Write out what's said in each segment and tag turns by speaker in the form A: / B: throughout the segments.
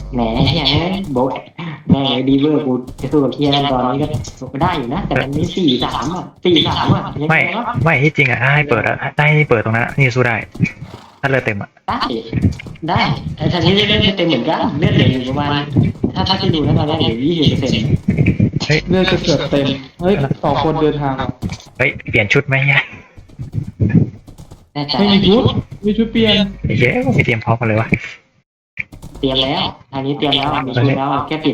A: แหมเฮียโบะแม่งเลยดีเวอร์กูจะสู้กับเฮียนั่นตอนนี้ก็ได้อยู่นะแต่มันมี4-3 อ่ะยัง
B: ไม่
A: ไงวะ
B: ไม่ที่จริงอ่ะถ้าให้เปิดอ่ะถ้าให้เปิดตรงนั้นอะนี่สู้ได้ถ้าเลือดเต็มอ่ะ
A: ได้ได้ไอ้ทางนี้เลือดไม่เต็มเหมือนกันเลือดเหลืออยู่ประมาณถ้าที่ดูแล้วตอนนี้เหลือ20%
B: เฮ้ย
C: เลือดจะเกือบเต็มเฮ้ย2 คนเดินทางว่ะ
B: เฮ้ยเปลี่ยนชุดไหมเนี่ย
A: แน่ใจ
C: ไม่มีชุดมีชุดเปลี่ยน
B: ไอ้เย้ไม่เตรียมพร้อมกันเลยวะ
A: เตรียมแล้วทางนี้เตรียมแล้วมีชุดแล้วแค่ปิด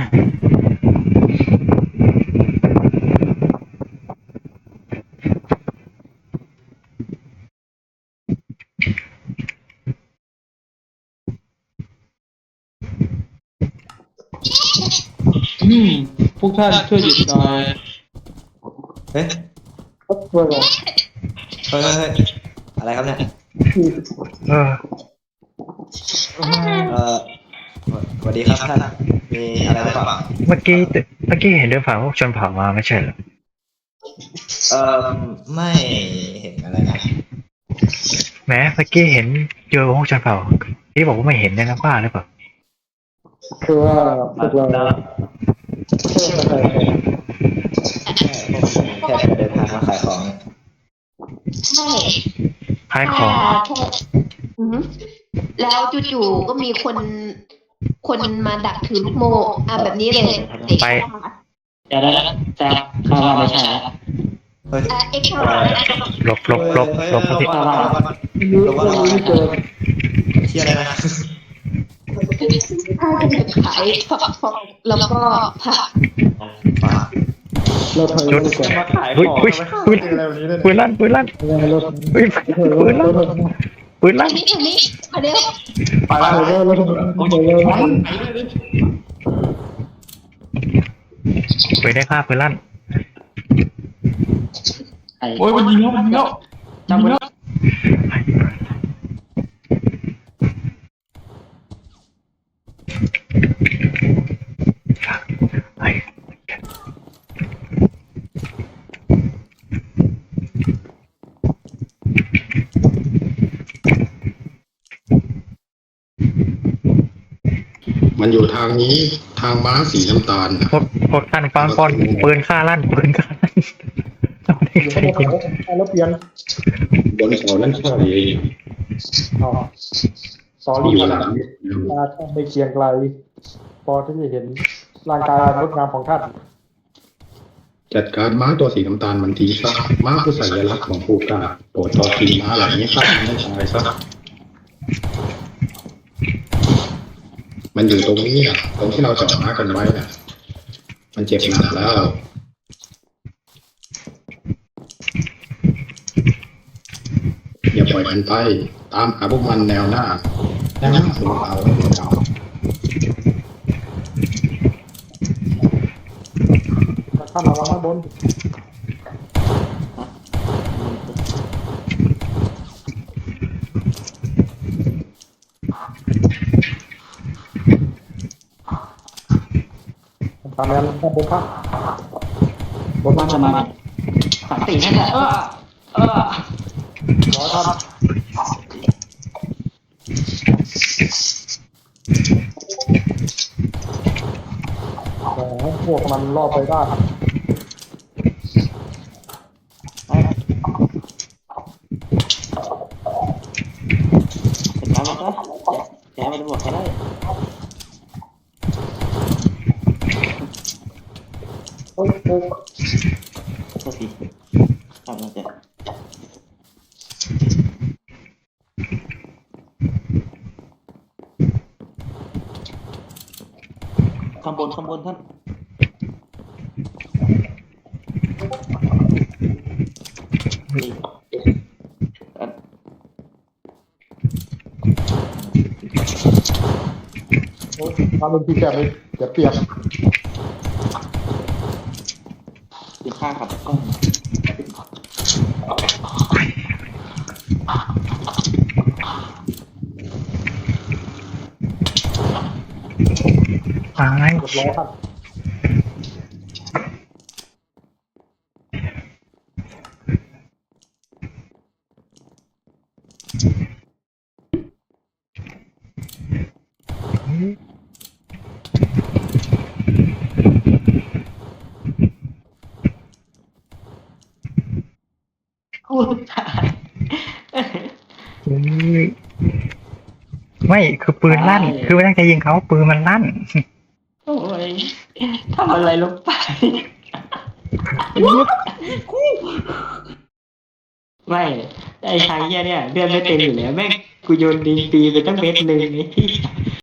C: อืมพวกท่านช่วยหยุดหน่อย
D: เฮ้ย
C: ช่วยหน่อย
D: เฮ้ยอะไรครับเนี่ย
B: เออ
D: เอ่อสวัสดีครับท่านมีอะไรหรือเปล่า
B: เมื่อกี้เห็นเดินผ่านพวกชนเผ่ามาไม่ใช่เหรอ
D: เอ่อไม่เห็นอะไรนะ
B: แหมเมื่อกี้เห็นเจอพวกชนเผ่าที่บอกว่าไม่เห็นเนี่ยนะบ้าหรือเปล่า
C: คือว่าพวกเราเชื่อใคร
D: แค่เดินทางมาขายของ
E: ใช่
B: ขายข
E: แค่
B: อง
E: แค่อือหือแล้วจู่ๆก็มีคนมาดักถือลูกโม่แบบนี้เลย
B: ไป
A: เดี๋ยวแต่ข้าว่าไม่ใช่แล้ว
D: เฮ้ย
E: เอ็กซ์
D: อะไร
B: หลบครับพี่
C: ไม่เจอ
D: เที่ยอะไรนะ
E: ถ้าจะขายแล้วก็ผัก
C: เราถอย
B: ชุด
C: ไปก่อนมาขายข
B: อุ้ย
C: อง
B: อุ้ย
C: ไม่เจออะไรแบบนี้เลย
B: ปืนลั่นอุ้ยปืนลั่นปืนลั่น
E: อันนี้อันนี้
C: ไปแล้วเราถอยเลย
B: ปืนได้ค่าปืนลั่น
C: โอ้ยมันยิงแล้ว
A: จำไว้
B: ไอ้
F: มันอยู่ทางนี้ทางม้าสีน้ำตาลนะ
B: พวกท่านฟังก่อนปืนฆ่าลั่นปืนฆ่าลั่นไม่ได้ใช้จริง
C: แล้วเปลี่ยน
F: บนเขานั่นใช่
C: สอรี่
F: อยู่
C: ข
F: หลั
C: นาด
F: ง
C: ตาท่านไม่เคียงไกลพอที่จะเห็นร่างกายงดงามของท่าน
F: จัดการม้าตัวสีน้ำตาลมันทีซะม้าคือสัญลักษณ์ของผู้กล้าโปรดต่อทีม้าเหล่านี้ฆ่ามันให้ตายซะมันอยู่ตรงนี้อ่ะตรงที่เราจอดม้ากันไว้น่ะมันเจ็บหนักแล้วอย่าปล่อยมันไปตามหาพวกมันแนวหน้าของเราเรา
C: ท่านระวังข้างบนตามแนวข้างบนครับบน
A: ว่าจะมาสันตินั่นแหละ
C: ร้อยครับพวกมันรอบไปได้ครับ
A: จัดการมันซะแกไม่ได้บอกแค่ได้โทษทีทำมาเจ็บข้างบนท่าน
C: ทำเป็นที่แกไม่เสียเปรียบ
A: เป็นข้ากับกล้อง
B: ตาย
C: เรียบร้อยครับ
A: กูตาย
B: เฮ้ยไม่คือปืนลั่น คือไม่ตั้งใจยิงเขาปืนมันลั่น
A: โอ้ยทำอะไรลงไป ไม่ไอ้ทางเนี้ยเลือดไม่เต็มอยู่แล้วแม่งกูโยนดิงปีไปตั้งเม็ดหนึ่งไอ้ที่